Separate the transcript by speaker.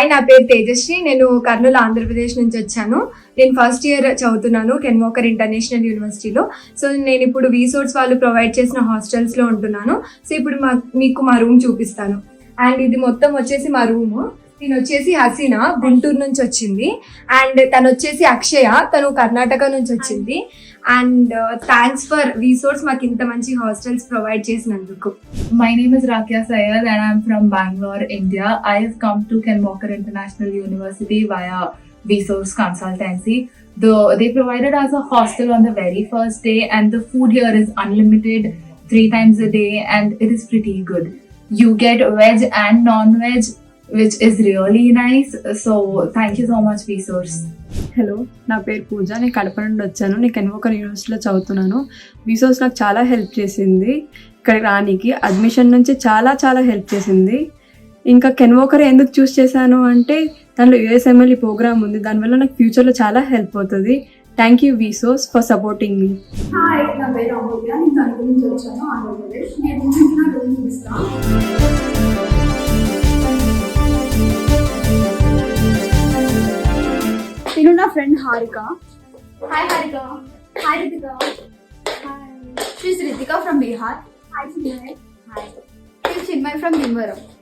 Speaker 1: Hi, నా పేరు తేజశ్రీ. నేను కర్నూలు, ఆంధ్రప్రదేశ్ నుంచి వచ్చాను. నేను ఫస్ట్ ఇయర్ చదువుతున్నాను కెన్ వాకర్ ఇంటర్నేషనల్ యూనివర్సిటీలో. సో నేను ఇప్పుడు వీసోర్స్ వాళ్ళు ప్రొవైడ్ చేసిన హాస్టల్స్లో ఉంటున్నాను. సో ఇప్పుడు మీకు మా రూమ్ చూపిస్తాను. అండ్ ఇది మొత్తం వచ్చేసి మా రూము. నేను వచ్చేసి హసీనా, గుంటూరు నుంచి వచ్చింది. అండ్ తను వచ్చేసి అక్షయ, తను కర్ణాటక నుంచి వచ్చింది. అండ్ థ్యాంక్స్ ఫర్ వీసోర్స్ మాకు ఇంత మంచి హాస్టల్స్ ప్రొవైడ్ చేసినందుకు.
Speaker 2: My name is Rakia Sayed and I'm from Bangalore, India. I have come to Ken Walker International University via Vsource Consultancy. They provided us a hostel on the very first day, and the food here is unlimited 3 times a day, and it is pretty good. You get veg and non-veg, which is really nice. So thank you so much, Vsource.
Speaker 3: Hello, నా పేరు పూజ. నేను కడప నుండి వచ్చాను. నేను can walker యూనివర్సిటీలో చదువుతున్నాను. వీసోర్స్ నాకు చాలా హెల్ప్ చేసింది. ఇక్కడికి రానికి అడ్మిషన్ నుంచి చాలా చాలా హెల్ప్ చేసింది. ఇంకా కెన్ వాకర్ ఎందుకు చూస్ చేశాను అంటే దాంట్లో యూఎస్ఎంఎల్ఈ ప్రోగ్రామ్ ఉంది. దానివల్ల నాకు ఫ్యూచర్లో చాలా హెల్ప్ అవుతుంది. Thank you Vsource for supporting me.
Speaker 4: Hi, నా పేరు అమూల్య. నేను తణుకు నుంచి వచ్చాను, ఆంధ్రప్రదేశ్. నేను నా రూమ్ చూపిస్తాను. నేను నా friend Harika. Hi Harika. Hi Ritika. Hi. She's Ritika from Bihar. Hi Chinmay. Hi. She's Chinmay from Bhimavaram.